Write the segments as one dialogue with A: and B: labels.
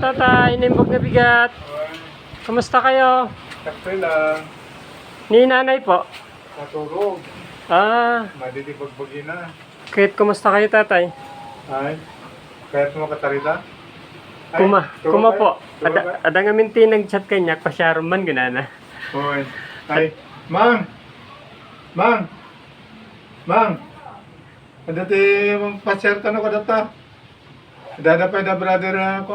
A: tatay, inimbog na bigat. Kamusta kayo?
B: Sakto lang.
A: Ni nanay po.
B: Natulog. Madilibagbagi na.
A: Kahit kumusta kayo tatay?
B: Ay, kahit mo katarita?
A: Kuma po. Ada nga minti nag-chat kanya, pasyaron man ganana.
B: Hoy. Ay, Mang! Ada ti pasyar ka no kadata. Dada pa da brother ako.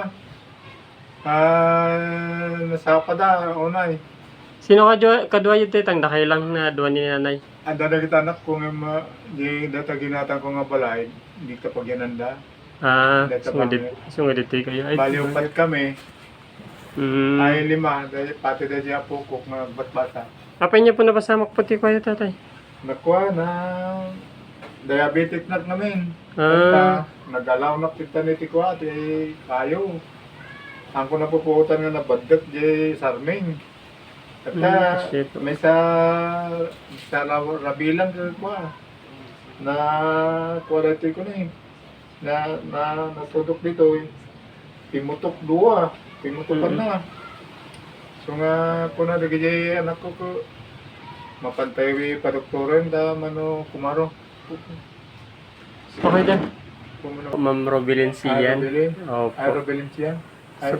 B: Nasapa da unay.
A: Sino kadwa yung titang nakailang na duwa ni nanay?
B: Ada da kita anak ko nga di data ginatan ko nga balay, hindi ka pagyananda.
A: Sungudit kayo. Ay,
B: Bali upat kami.
A: Mm.
B: Ay lima, dahil pati da siya pukok nga batbata.
A: Apa niya po napasamak puti kayo tatay?
B: Nakuha na diabetic na namin. Nagalaw na kita ni Tiko ate kayo. Ang ko napuputan nga nabagdat di sarming. Kata may sa rabilang ko na quality ko na eh. Na natudok dito eh. Pimutok na. So nga ko na dagay anak ko mapantay pa doktoran da mano kumaro.
A: Okay din. Ma'am Robilin Sian. Opo.
B: Robilin Sian. Ay,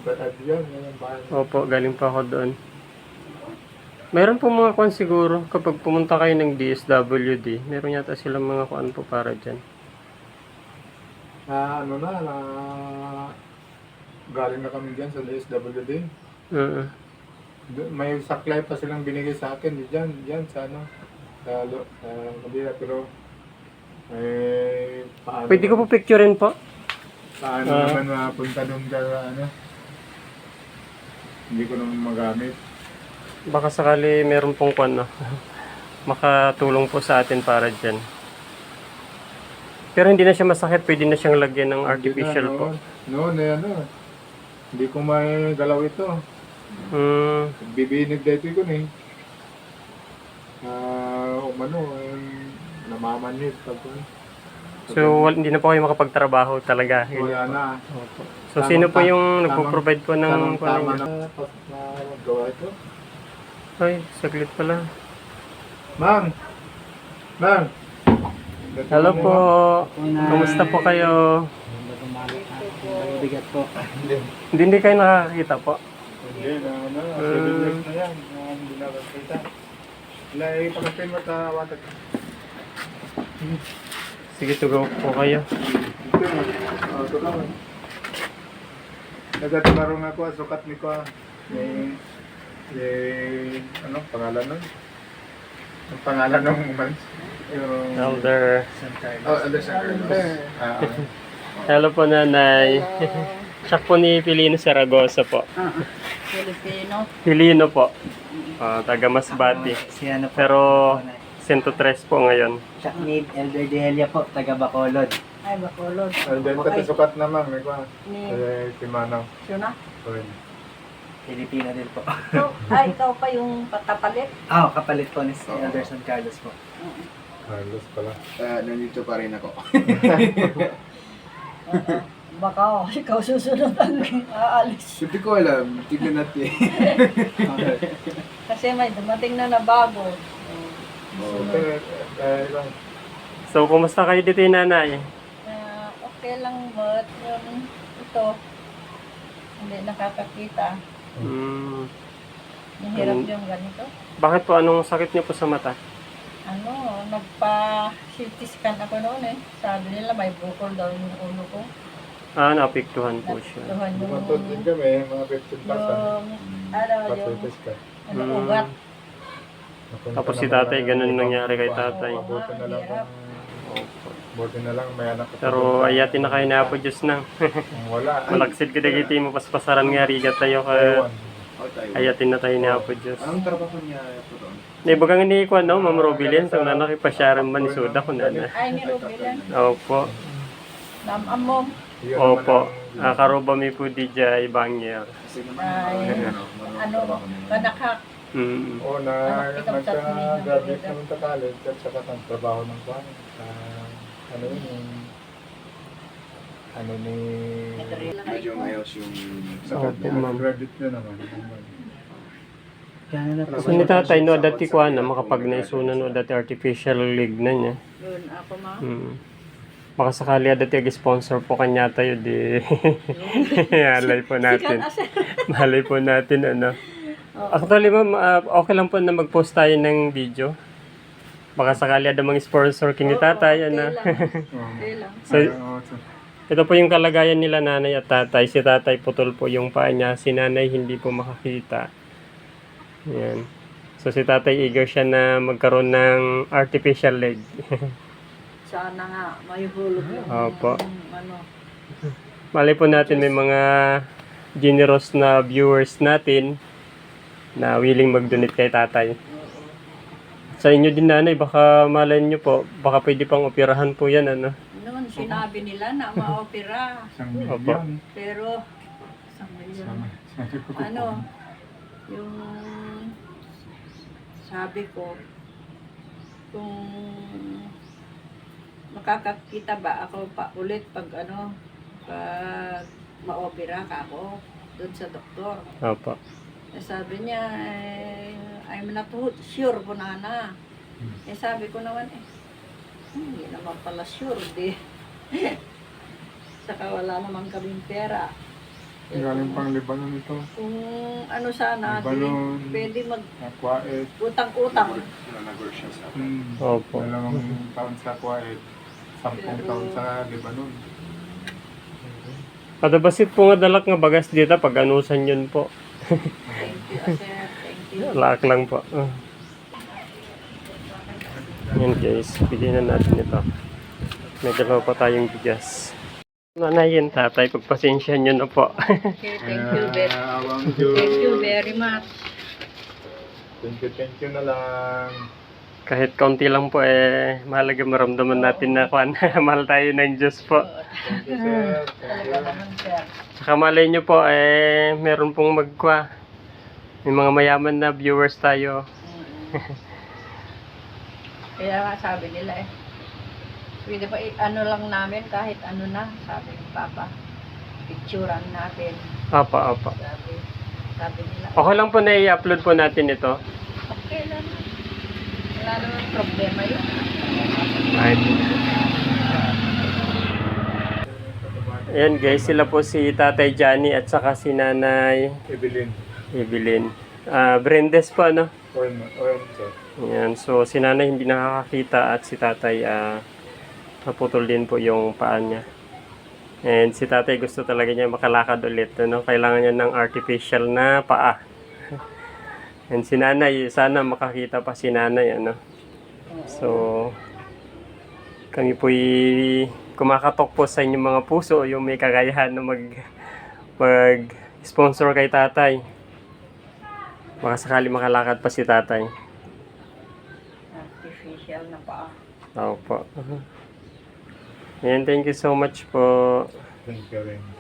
A: Opo, galing pa ako doon. Meron po mga kuan siguro kapag pumunta kayo ng DSWD, meron yata silang mga kuan po para dyan.
B: Galing na kami dyan sa DSWD. May saklay pa silang binigay sa akin dyan sa Manila, pero paano?
A: Pwede ko po picturein po.
B: Paano naman mapunta doon ka hindi ko naman magamit.
A: Baka sakali meron pong kuan makatulong po sa atin para dyan. Pero hindi na siya masakit, pwede na siyang lagyan ng artificial po.
B: Hindi ko may galaw ito. Bibinig dito ko eh. Namamanit.
A: So, hindi na po kayo makapagtrabaho talaga.
B: Wala na.
A: So, sino po yung nagpo-provide po ng
B: tama na gawa ito?
A: Ay, saglit pala.
B: Mang!
A: Hello po. Kamusta po kayo?
C: Bigat po.
A: Hindi kayo nakakita po?
B: Hindi, 7 years na yan. Hindi nakakita. Ilay, pagkasin mo sa watak.
A: Sige, tugaw po kayo.
B: Nagatimarong ako, sukat ni ko. Pangalan nun? Ang pangalan ng man?
A: Elder.
B: Elder San Carlos.
A: Hello po nanay. Siya po ni Pilino Saragosa po. Pilino po. Taga Masbate. Pero 103 po ngayon.
C: Siya ni Elder Dehelia po, taga Bacolod.
D: Ay, Bacolod.
B: Diyan pati sukat naman, may kwa. Timanaw.
D: Sino?
C: Pilipino din po.
D: Ikaw pa yung kapalit?
C: Kapalit po ni Elder San Carlos po.
B: Carlos pala.
E: Nandito pa rin ako.
D: Baka ikaw susunod ang aalis.
E: Hindi ko alam. Tignan natin.
D: Kasi may dumating na bago.
A: So, kumusta kayo dito nanay?
D: Okay lang, but ito, hindi nakakakita. Mahirap yung ganito.
A: Bakit po? Anong sakit niyo po sa mata?
D: Nagpa-CT scan ako noon eh. Sabi nila may bukol daw yung ulo ko.
A: Naapektuhan po siya.
B: Bumatod din kami, mga 15 pasan.
D: Yung ugat.
A: Tapos si tatay, ganun nangyari kay tatay.
B: Buti na lang may anak.
A: Pero ayatin na kayo na po Diyos nang.
B: Wala.
A: Malaksid ka dagiti mo paspasaran nga rigat tayo kaya ayatin na tayo na po Diyos.
E: Anong trabaho niya po doon?
A: Naibagang hindi ko Ma'am Robilin, so nakipasyaran man ni Suda ko na.
D: Ay, ni Rubilan.
A: Opo.
D: Namam mo.
A: Opo. Karoba mi po di dya ibangyer.
D: Ay, manakak.
B: Nagka-graduate naman sa college at saka ang trabaho ng kwan.
C: ano ni...
E: Medyo mayos yung
A: Opo,
E: sakit niya.
A: ma'am.
B: Credit niya naman.
C: Gano'n na po.
A: So ni tatay no dati ko na makapag naisunan no dati artificial leg na niya.
D: Yun, ako ma.
A: Baka sakali dati sponsor po kanya tayo di. Malay po natin. Malay po natin ano. Actually ma'am, okay lang po na mag-post tayo ng video. Baka sakali ada mga sponsor kini tatay ano.
D: Okay lang.
A: So ito po yung kalagayan nila nanay at tatay. Si tatay putol po yung paa niya, si nanay hindi po makakita. Yan. So si tatay eager siya na magkaroon ng artificial leg.
D: Sana nga, may hulog yung
A: Opo.
D: ano.
A: Malay po natin may mga generous na viewers natin na willing mag-donate kay tatay. Sa inyo din nanay, baka malay nyo po, baka pwede pang operahan po yan ano.
D: Noon, sinabi nila na ma-opera.
B: Isang
A: Opo.
B: milyon.
D: Pero, ano, yung sabi ko, kung makakakita ba ako pa ulit pag ano, pag ma-opera ka ako doon sa doktor.
A: Opo.
D: Eh, sabi niya, I'm not sure po na. Eh sabi ko naman, hindi naman pala sure, di. Saka wala naman kaming pera.
B: Galing pang Lebanon ito.
D: Kung ano sana, di,
B: Lebanon.
D: pwede
B: Kuwait.
D: mag-utang-utang.
E: Nag-work siya sa
A: Opo.
B: 2 taon sa Kuwait. 10 taon sa Lebanon.
A: Kada basit po nga dalak nga bagas dito pag anusan yun po.
D: Thank you, sir. Thank you.
A: Laak lang po. Yan guys, bigyan na natin ito. May dalawa pa tayong bigas. Nanay yun tatay, pagpasensya nyo na po.
D: Okay,
B: Awang
D: thank you
B: Diyos.
D: very much.
B: Thank you na lang.
A: Kahit kaunti lang po mahalaga maramdaman natin na mahal tayo ng Diyos po.
B: Thank you, sir. Thank you.
D: Talaga naman, sir.
A: Saka malay nyo po meron pong may mga mayaman na viewers tayo.
D: Kaya nga sabi nila pwede pa ano lang namin kahit ano na, sabi ni Papa. Picturean natin.
A: Apa.
D: Sabi nila.
A: Okay lang po na i-upload po natin ito.
D: Okay lang. Wala naman problema yun.
A: Right. Ayan guys, sila po si Tatay Johnny at saka si Nanay
B: Evelyn.
A: Brendes po ano.
B: Oil, sir.
A: Ayan, so si Nanay hindi nakakakita at si Tatay naputol din po yung paa niya. And si Tatay gusto talaga niya makalakad ulit. Ano? Kailangan niya ng artificial na paa. And si Nanay, sana makakita pa si Nanay. Ano? So, kami po'y kumakatok po sa inyong mga puso yung may kakayahan na mag-sponsor kay Tatay. Baka sakali makalakad pa si Tatay.
D: Artificial na pa.
A: Opo. Ayan, thank you so much po.
B: Thank you rin.